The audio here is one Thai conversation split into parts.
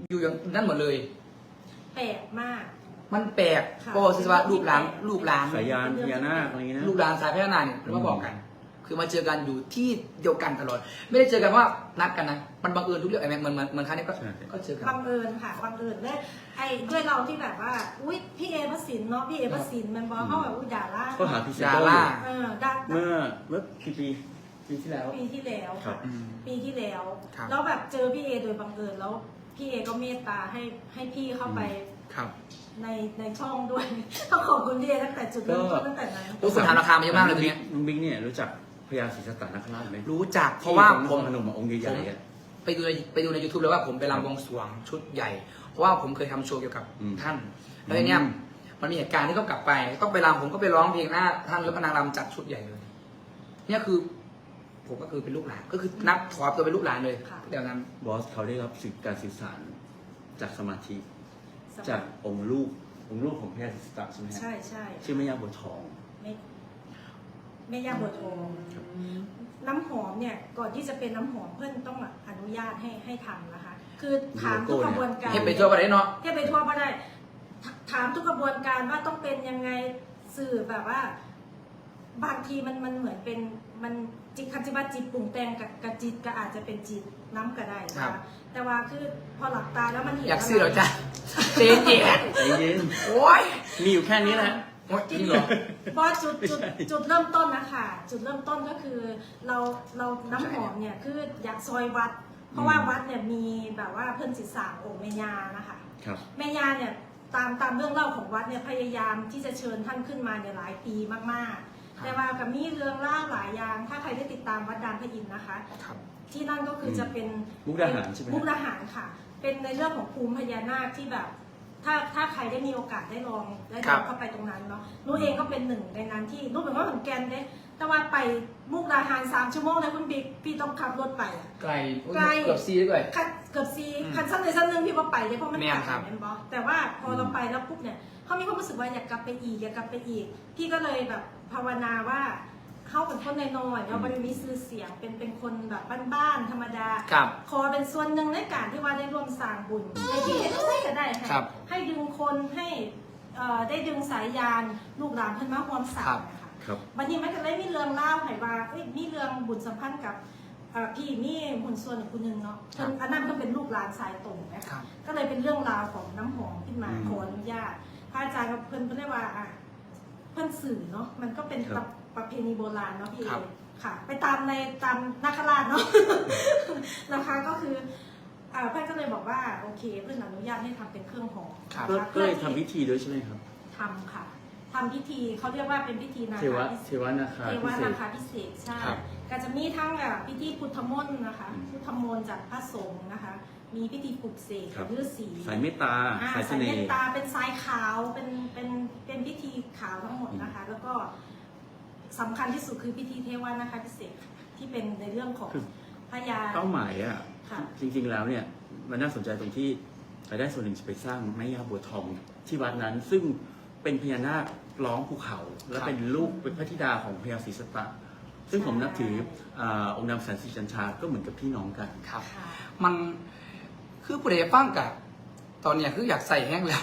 อยู่อย่างนั้นหมดเลยแปลกมากมันแปลกก็คือว่าลูกหลานสายยานพญานาคอะไรอย่างนี้นะลูกหลานสายพญานาคเนี่ยมาบอกกัน คือมาเจอกันอยู่ที่เดียวกันตลอด ไม่ได้เจอกันว่านัดกันนะมันบังเอิญทุกเรื่องไอ้แม็กเหมือนครั้งนี้ก็เจอกันบังเอิญค่ะบังเอิญและไอ้ด้วยเราที่แบบว่าอุ้ยพี่เอพระสินเนาะพี่เอพระสินมันบอกเขาแบบอุ้ยด่าล่าก็หาพิเศษดาราด่าเมื่อกี่ปีที่แล้วปีที่แล้วครับปีที่แล้วครับแล้วแบบเจอพี่เอโดยบังเอิญแล้วพี่เอก็เมตตาให้พี่เข้าไปครับในช่องด้วย ต้องขอบคุณพี่เอตั้งแต่จุดเริ่มต้นตั้งแต่นั้นโอ้คุณถามราคามาเยอะมากเลยตรงนี้น้องบิ๊กเนี่ยรู้จักพญาศรีสัตตนคราชไหมรู้จักเพราะว่าที่ผมพนมองค์ใหญ่ๆอะไปดูใน YouTube เลยว่าผมไปรำบวงสรวงชุดใหญ่ เพราะว่าผมเคยทำโชว์เกี่ยวกับท่าน แล้วทีเนี้ยมันมีเหตุการณ์ที่ต้องกลับไป ต้องไปรำผมก็ไปร้องเพลงหน้าท่านแล้วก็นางรำจัดชุดใหญ่เลย เนี่ยคือ ผมก็คือเป็นลูกหลานก็คือนับถอดตัวเป็นลูกหลานเลยเดี๋ยวนั้นบอสเขาได้รับการสื่อสารจากสมาธิจากองค์ลูกของพญาศรีสัตตใช่ไหมฮะใช่ใช่ชื่อแม่ย่าบัวทองแม่ย่าบัวทองน้ำหอมเนี่ยก่อนที่จะเป็นน้ำหอมเพื่อนต้องอนุญาตให้ทำนะคะ คือถามทุกกระบวนการเห็นไปทั่วประเทศเนาะเที่ยวไปทั่วก็ได้ถามทุกกระบวนการว่าต้องเป็นยังไงสื่อแบบว่า บางทีมันเหมือนเป็นมันจิตคันจิบาจิตปรุงแต่งกับจิตก็อาจจะเป็นจิตน้ำก็ได้นะคะแต่ว่าคือพอหลับตาแล้วมันเห็นอยากซื้อเหรอจ๊ะเจ๊เจ๊ใจเย็นโอ้ยมีอยู่แค่นี้แหละโอ๊ยจริงเหรอเพราะจุดเริ่มต้นนะคะจุดเริ่มต้นก็คือเราน้ำหอมเนี่ยคืออยากซอยวัด เพราะว่าวัดเนี่ยมีแบบว่าเพิ่นศิษย์องค์แม่ย่านะคะครับแม่ย่าเนี่ยตามเรื่องเล่าของวัดเนี่ยพยายามที่จะเชิญท่านขึ้นมาเนี่ยหลายปีมากๆ แต่ว่ากับมีเรื่องเล่าหลายอย่างถ้าใครได้ติดตามวัดดานพระอินทร์นะคะครับที่นั่นก็คือจะเป็นมุกดาหารใช่ไหมมุกดาหารค่ะ เป็นในเรื่องของภูมิพญานาคที่แบบ ถ้าใครได้มีโอกาสได้ลองเข้าไปตรงนั้นเนาะนู้เองก็เป็นหนึ่งในนั้นที่นู้เป็นว่าเหมือนแกนเด้แต่ว่าไปมุกดาหาร3 ชั่วโมงนะคุณบิ๊กพี่ต้องขับรถไปอะไกลไกลเกือบซีด้วยเกือบซีคันสั้นในสั้นหนึ่งพี่ว่าไปเลยเพราะมันแม่นครับแม่นบอแต่ว่าพอเราไปแล้วปุ๊บเนี่ยเขามีความรู้สึกว่าอยากกลับไปอีกพี่ก็เลยแบบภาวนาว่าเขาเป็นคนน้อยๆแล้วมันมีชื่อเสียงเป็นคนแบบบ้านๆธรรมดาครับขอเป็นส่วนหนึ่งในการที่ว่าได้ร่วมสร้างบุญในที่เห็นได้ก็ได้ครับให้ดึงคนให้ได้ดึงสายยานลูกหลานเพิ่นมาร่วมสร้างนะคะครับวันนี้มันก็เลยมีเรื่องเล่าให้ว่ามีเรื่องบุญสัมพันธ์กับพี่นี่หุ่นส่วนอีกคนนึงเนาะอันนั้นก็เป็นลูกหลานสายตรงนะคะก็เลยเป็นเรื่องราวของน้ำหอมขึ้นมาขออนุญาตพระอาจารย์กับเพิ่นเรียกว่าเพิ่นสื่อเนาะมันก็เป็นประเพณีโบราณเนาะพี่ค่ะ ไปตามนาคราชเนาะ นะคะก็คือเพื่อนก็เลยบอกว่าโอเคเพื่อนอนุญาตให้ทำเป็นเครื่องหอมครับก็เลยทำพิธีด้วยใช่ไหมครับทำค่ะทำพิธีเขาเรียกว่าเป็นพิธีนาเทวะคาพิเศเทษวะนาคาเทพิวะเศนาษคาพิเศษใช่ครับก็จะมีทั้งพิธีพุทธมนต์นะคะพุทธมนต์จากพระสงฆ์นะคะ มีพิธีปลุกเสกครับฤาษีสายเมตตา สายเสสายน่เมตห์ตาเป็นสายขาวเป็นพิธีขาวทั้งหมดนะคะ แล้วก็สำคัญที่สุดคือพิธีเทวะนาคาพิเศษที่เป็นในเรื่องของพญาเป้าหมายอ่ะค่ะจริงๆแล้วเนี่ยมันน่าสนใจตรงที่รายได้ส่วนหนึ่งจะไปสร้างแม่ย่าบัวทองที่วัดนั้น ซึ่งเป็นพญานาคร้องภูเขา และเป็นลูกเป็นพระธิดาของพญาศรีสัตตะซึ่งผมนับถือองค์นำแสนสีจันทราก็เหมือนกับพี่น้องกันครับค่ะมันคือผู้ใดฟังกับตอนเนี้ยคืออยากใส่แห้งแล้ว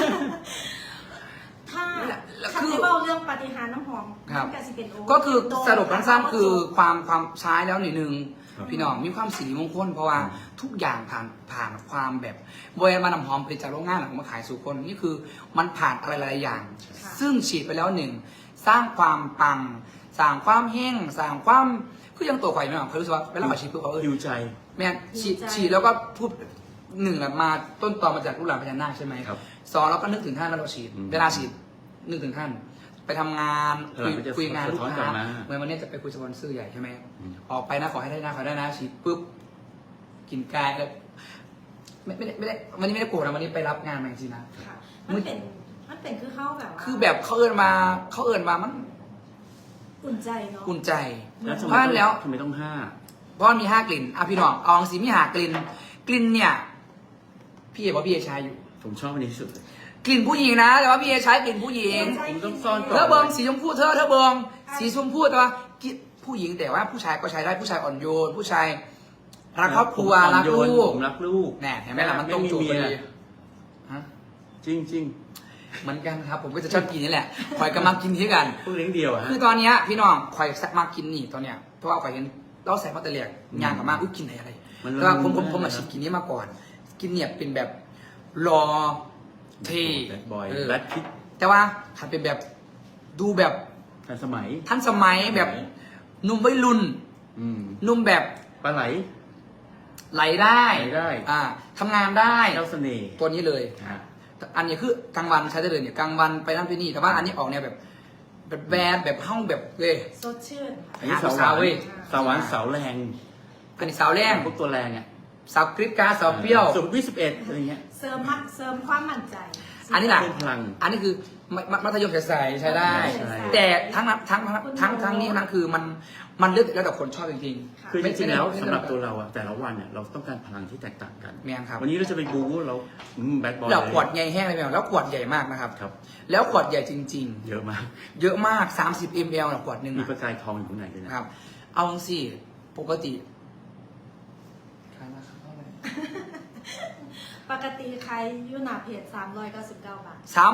ถ้าแล้วคันคือที่เบ้าเรื่องปาฏิหาริย์น้ำหอมครับมันจะเป็นโก็คือสรุปสั้นๆคือความใช้แล้วหนึ่งครับพี่น้องมีความสิริมงคลเพราะว่าทุกอย่างผ่านความแบบบอยมานำหอมผลิตจากโรงงานหลังมาขายสู่คนนี่คือมันผ่านอะไรหลายๆอย่างค่ะซึ่งฉีดไปแล้วหนึ่งสร้างความปังสร้างความแห้งสร้างความคือยังตัวข่อยไม่หรอกเขารู้สึกว่าเวลาเขาฉีดปุ๊บเขาหิวใจแม่นฉีดแล้วก็พูดหนึ่งอะมาต้นตอมาจากลูกหลานพญานาคใช่ไหมครับสองเราก็นึกถึงท่านแล้วเราฉีด เวลาฉีดนึกถึงท่าน ไปทำงานเออมันจะคุยงานลูกสะท้อนกลัค้าบมาเหมือนวันนี้จะไปคุยสปอนเซอร์ใหญ่ใช่ไหมอืมออกไปนะขอให้ได้นะขอให้ได้นะฉีดปุ๊บกินกายแล้วไม่ได้วันนี้ไม่ได้โกรธนะวันนี้ไปรับงานมาจริงๆนะค่ะมันเป็นคือเข้าแบบว่าคือแบบเขาเอินมามันอุ่นใจเนาะอุ่นใจแล้วทำเพไมราะฉะนั้นแล้วทำไมต้องห้าเพราะมันมี5 กลิ่นอ่ะพี่น้องเอาสีมี5 กลิ่นกลิ่นเนี่ยพี่เอ๋บอกพี่เอ๋ใช้อยู่ผมชอบอันนี้ที่สุดเลยกลิ่นผู้หญิงนะแต่ว่าพี่เอใช้กลิ่นผู้หญิงผมต้องซ่อนก่เธอเบิงสีชมพูเธอเบิงสีชมพูแต่ว่ากลิ่นผู้หญิงแต่ว่าผู้ชายก็ใช้ได้ผู้ชายอ่อนโยนผู้ชายรักครอบครัวรักลูกผมรักลูกแน่เห็นไหมล่ะมันตรงจุดพอดีฮะจริงจริงเหมือนกันครับ ผมก็จะชอบกินนี่แหละคอยก็มักกินที่กันๆพวกเลี้ยงเดียวอะฮะคือตอนเนี้ยพี่น้องคอยมักกินนี่ตอนเนี้ยเพราะว่าคอยเห็นเราใส่มาแต่เลียกงานกับมากอุ้ยกินอะไรมันแต่ว่าผมมันมาชิมกินนี้มาก่อน กินเนี่ยเป็นแบบรอเท่แบดบอยเออแบดคิดแต่ว่าถ้าเป็นแบบดูแบบทันสมัยทันสมัยแบบหนุ่มวัยรุ่นอืมหนุ่มแบบปลาไหลไหลได้ไหลได้ทำงานได้เจ้าเสน่ห์ตัวนี้เลยฮะอันนี้คือกลางวันใช้ได้เลยเนี่ยกลางวันไปนั่นไปนี่แต่ว่าอันนี้ออกเนี่ยแบบแบดแบบห้องแบบเลยสดชื่นอันนี้หาสาวหวานสาวเว้ยสาวหวานสาวแรงอันนี้สาวแรงพวกตัวแรงอ่ะสาวกริปกราร์ดสาวเปรี้ยวสุดวิ11อะไรเงี้ยเสริมความมั่นใจอันนี้แหละเพิ่มพลังอันนี้คือมัธยมใสๆใช้ได้ใช่แต่ทั้งนี้นั้นคือมันเลือกแล้วแต่คนชอบจริงคือจริงๆแล้วไม่สำหรับไม่ตัวเราอะแต่ละวันเนี่ยเราต้องการพลังที่แตกต่างกันแม่งครับวันนี้เราจะไปบู๊เราแบดบอยแล้วขวดใหญ่แห้งเลยแม่งแล้วขวดใหญ่มากนะครับครับแล้วขวดใหญ่จริงเยอะมากๆ เยอะมาก30 ml นะขวดหนึ่งมีอะประกายทองอยู่ข้างในด้วยนะครับเอาสิปกติขายราคาเท่าไหร่ปกติใครยูหนาเพจ399 บาท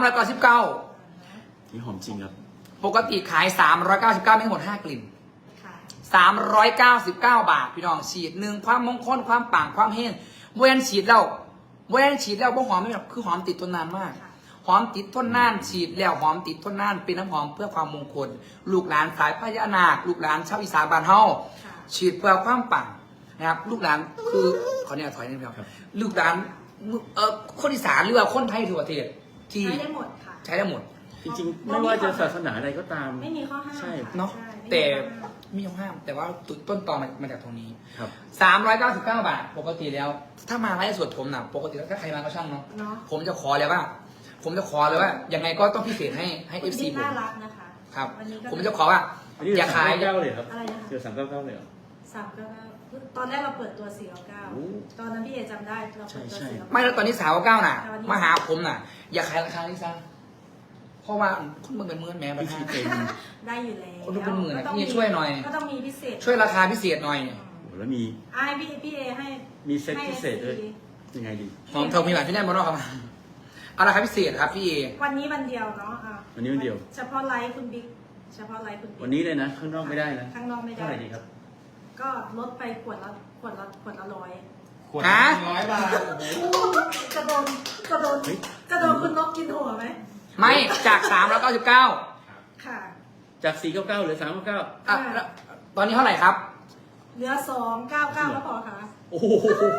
399 นี่หอมจริงครับปกติขาย399ไม่หมด5กลิ่นค่ะ 399 บาท พี่น้องฉีดหนึ่งความมงคลความปังความเฮงเวนฉีดแล้วบ่หอมไม่แบบคือหอมติดทนนานมากค่ะหอมติดทนนานฉีดแล้วหอมติดทนนานเป็นน้ำหอมเพื่อความมงคล ลูกหลานสายพญานาคลูกหลานชาวอีสานบ้านเฮาค่ะฉีดเพื่อความปังนะครับลูกหลานคือขอเนี่ยถอยนิดนึงครับลูกหลานคนอีสานหรือว่าคนไทยทั่วประเทศที่ใช้ได้หมดค่ะใช้ได้หมดจริงๆ ไม่ว่าจะศาสนาใดก็ตามไม่มีข้อห้ามใช่ค่เนาะใช่ไม่มีแต่ข้อห้ามมีข้อห้ามแต่ว่าจุดต้นตอมาจากตรงนี้ครับ 399 บาท ปกติแล้ว ถ้ามาไลฟ์สดผมนะปกติแล้วถ้าใครมาก็ช่างเนาะเนาะผมจะขอเลยว่ายังไงก็ต้องพิเศษให้คุณ FC บิ๊กผมน่ารักนะคะครับวันนี้ก็ผมจะขอว่าอันนี้อย่าขายเก้าเลยครับอะไรนะคะเจอ399เลยเหรอ 399ตอนแรกเราเปิดตัวโอ้ 499ตอนนั้นพี่เอจำได้เราเปิดตัวใช่ 499 ไม่แล้วตอนนี้399น่ะแต่วันนี้มาหาผมน่ะ อย่าขายราคานี้ซะเพราะว่าคุณมึงเป็นหมื่นแม่บัวินธีทาเป็นได้อยู่แล้วคนดูเป็นหมื่นอะก็ต้องพี่ช่วยหน่อยก็ต้องมีพิเศษช่วยราคาพิเศษหน่อยโอ้โหแล้วมีให้พี่เอให้มีเซ็ตให้พิเศษด้วย FC ยังไงดีหอมเทามีหลายพี่แน่บนนอกครับเอาราคาพิเศษครับพี่เอวันนี้วันเดียวเนาะอ่ะวันนี้วันเดียวเฉพาะไลฟ์คุณบิ๊กเฉพาะไลฟ์คุณบิ๊กวันนี้เลยนะ ข้างนอกไม่ได้นะข้างนอกไม่ได้เท่าไหร่ดีครับก็ลดไปขวดละร้อยขวดฮะ 100 บาทจะโดนคุณนกกินหัวไหมไม่จาก399 ค่ะจาก499เหลือ399 อ่ะแล้วตอนนี้เท่าไหร่ครับเหลือ299แล้วพอค่ะโอ้โห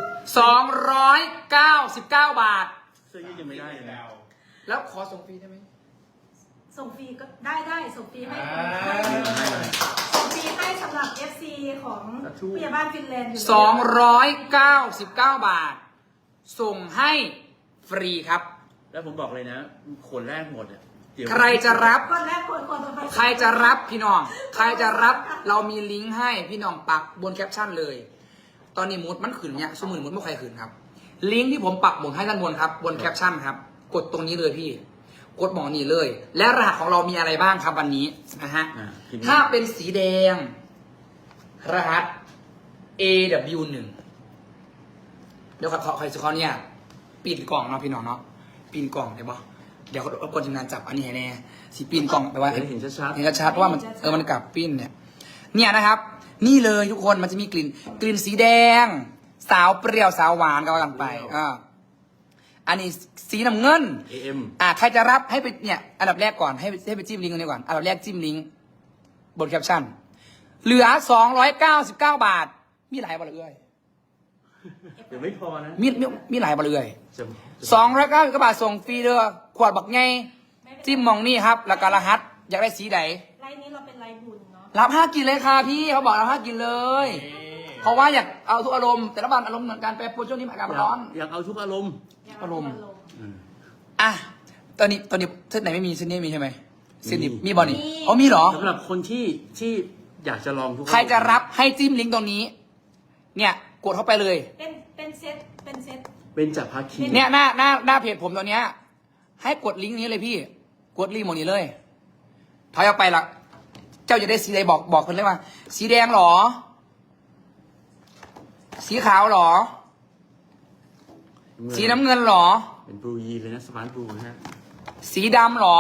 299 บาทเสื้อยืดยังไม่ได้เลยนะแล้วขอส่งฟรีได้ไหมส่งฟรีก็ได้ส่งฟรีให้อ่าส่งฟรีให้สำหรับ FC ของผู้ใหญ่บ้านฟินแลนด์อยู่ 299 บาท ส่งให้ฟรีครับแล้วผมบอกเลยนะขนแรกหมดอ่ะเดี๋ยวใครจะรับคนแรกคนต่อไปใครจะรับพี่น้อง ใครจะรับเรามีลิงก์ให้พี่น้องปักบนแคปชั่นเลย ตอนนี้มูดมันขึ้นเนี่ยสมุนมูดไม่ใครขึ้นครับ ลิงก์ที่ผมปักหมุดให้ด้านบนครับ บนแคปชั่นครับ กดตรงนี้เลยพี่ กดหมองนี้เลย และรหัสของเรามีอะไรบ้างครับวันนี้นะฮะพิมพ์ถ้าเป็นสีแดง รหัส AW1 เดี๋ยวขอเนี่ยปีนกล่องเนาะพี่น้องเนาะปีนกล่องได้ปะเดี๋ยวรบกวนทีมงานจับอันนี้ให้แน่สีปีนกล่องแปลว่าเห็นชัดเห็นชัดๆว่ามันกลับปิ้นเนี่ยนะครับ นี่เลยทุกคนมันจะมีกลิ่นสีแดง สาวเปรี้ยวสาวหวานก็ว่ากันไปอันนี้สีน้ำเงินๆ AM ใครจะรับให้ไปเนี่ยอันดับแรกก่อนให้ไปจิ้มลิงก์ตรงนี้ก่อนอันดับแรกจิ้มลิงก์บนแคปชั่นเหลือ299 บาทมีหลายบาทเลยเดี๋ยวไม่พอนะมีหลายบาทเลยจะ 299 บาทส่งฟรีเด้อขวดบักไงจิ้มมองนี่ครับแล้วก็รหัสอยากได้สีไหนไลน์นี้เราเป็นไลน์บุญเนาะรับ5กินเลยค่ะพี่เขาบอกรับ5กินเลย เพราะว่าอยากเอาทุกอารมณ์แต่ละวันอารมณ์เหมือนกันแปรปรวนช่วงนี้อากาศมันร้อนอยากเอาทุกอารมณ์อารมณ์อืมอ่ะตอนนี้เส้นไหนไม่มีเส้นนี้มีใช่ไหมเส้นนี้มีมีบอลนี่อ๋อมีเหรอสำหรับคนที่อยากจะลองทุกอารมณ์ใครจะรับให้จิ้มลิงก์ตรงนี้ เนี่ยกดเข้าไปเลยเป็นเซตเป็นจากภาคีเนี่ยหน้าเพจผมตัวเนี้ย ให้กดลิงก์นี้เลยพี่ กดลิงก์หมดนี้เลยถอยออกไปละเจ้าจะได้สีใดบอกคนเลยว่า สีแดงเหรอสีขาวเหรอ สีน้ำเงินเหรอเป็นบลูยีเลยนะสมาร์ทบลูนะฮะสีดำเหรอ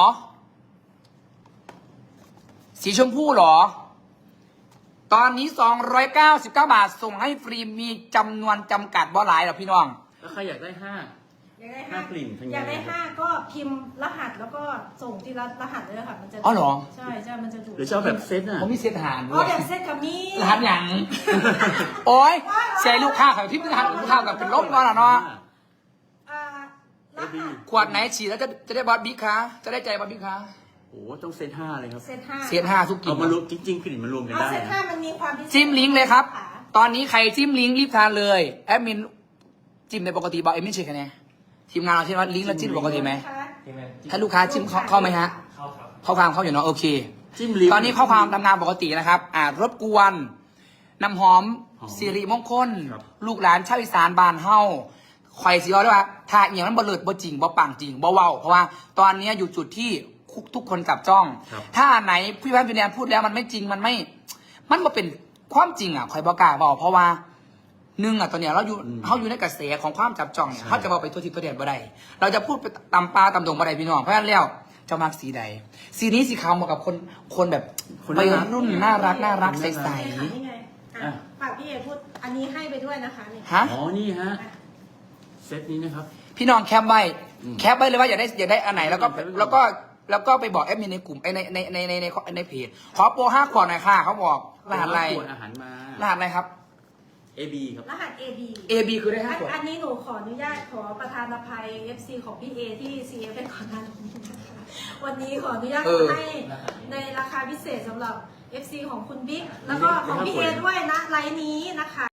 สีชมพูเหรอ ตอนนี้299 บาทส่งให้ฟรีมีจำนวนจำกัดบ่หลายหรอกพี่น้องแล้วใครอยากได้5 อยากได้ห้ากลิ่นทำไงอยากได้5ก็พิมพ์รหัสแล้วก็ส่งที่รหัสเลยค่ะมันจะอ๋อเหรอใช่ใช่มันจะดูหรือจะเอาแบบเซตน่ะผมมีเซตอาหารด้อ๋อวยแบบเซ็ตกับมีรหัสหยัง โอ้ยใช้ลูกค้าของที่รหัสลูกค้ากับเป็นล้มก่อนเหรอเนาะอ่ารหัสขวดไหนฉีดแล้วจะได้บอสบิ๊กคะจะได้ใจบอสบิ๊กคะโอ้ต้องเซต5เลยครับเซ็ต5 เซต5ทุกกลิ่เอานมารวมจริงๆกลิ่นมันรวมกันเอาได้เซ็ตนะ 5มันมีความพิเศษจิ้มลิงก์เลยครับค่ะตอนนี้ใครจิ้มลิงก์รีบทานเลยแอดมินจิ้มในปกติบอกเอ็มไม่เช็คคะแนนทีมงานเราใช่ไหมลิงก์แล้วจิ้มปกติไหมถ้าลูกค้าจิ้มเข้าไหมฮะเข้าความเข้าอยู่เนาะโอเคจิ้มลิ้มตอนนี้ข้อความตำนานปกตินะครับรบกวนน้ำหอมหอมสิริมงคลครับลูกหลานชาวอีสานบ้านเฮาคอยสิเอาด้วยว่าถ้าอย่างนั้นบ่เลิศบ่จริงบ่ปังจริงบ่เว้าเพราะว่าตอนนี้อยู่จุดที่ทุกคนจับจ้องครับถ้าอันไหนพี่พันธ์พี่แนนพูดแล้วมันไม่จริงมันบ่เป็นความจริงอ่ะคอยบอกกล้าบอกเพราะว่าหนึ่งอ่ะตอนเนี้ยเราอยู่ในกระแสของความจับจ้องเนี่ยเขาจะบอกไปทั่วทิศทั่วแดนบ่ได้เราจะพูดไปตำปลาตำดงบ่ได้พี่น้องเพราะฉะนั้นแล้วเจะมักสีใดสีนี้สีขาวเหมาะกับคนแบบคนวัยน่ารักรุ่นน่ารักใสนี่ไงอ่ะฝากพี่เอพูดอันนี้ให้ไปด้วยนะคะนี่ๆฮะอ๋อนี่ฮะเซตนี้นะครับพี่น้องแคปไว้อืมแคปไว้เลยว่าอยากได้อันไหนแล้วก็แคปไว้ก่อนแล้วก็ไปบอกแอดมินในกลุ่มในเพจขอโปร5 ขวดหน่อยค่ะเขาบอกรหัสอะไรขวดอาหารมารหัสอะไรครับ AB ครับรหัส AB AB คือได้5 ขวดอันนี้หนูขออนุญาตขอประธานอภัย FC ของพี่เอที่ CF เป็นก่อนหน้านี้นะคะวันนี้ขออนุญาตให้ในราคาพิเศษสำหรับ FC ของคุณบิ๊กแล้วก็ของพี่เอด้วยนะไลน์นี้นะคะ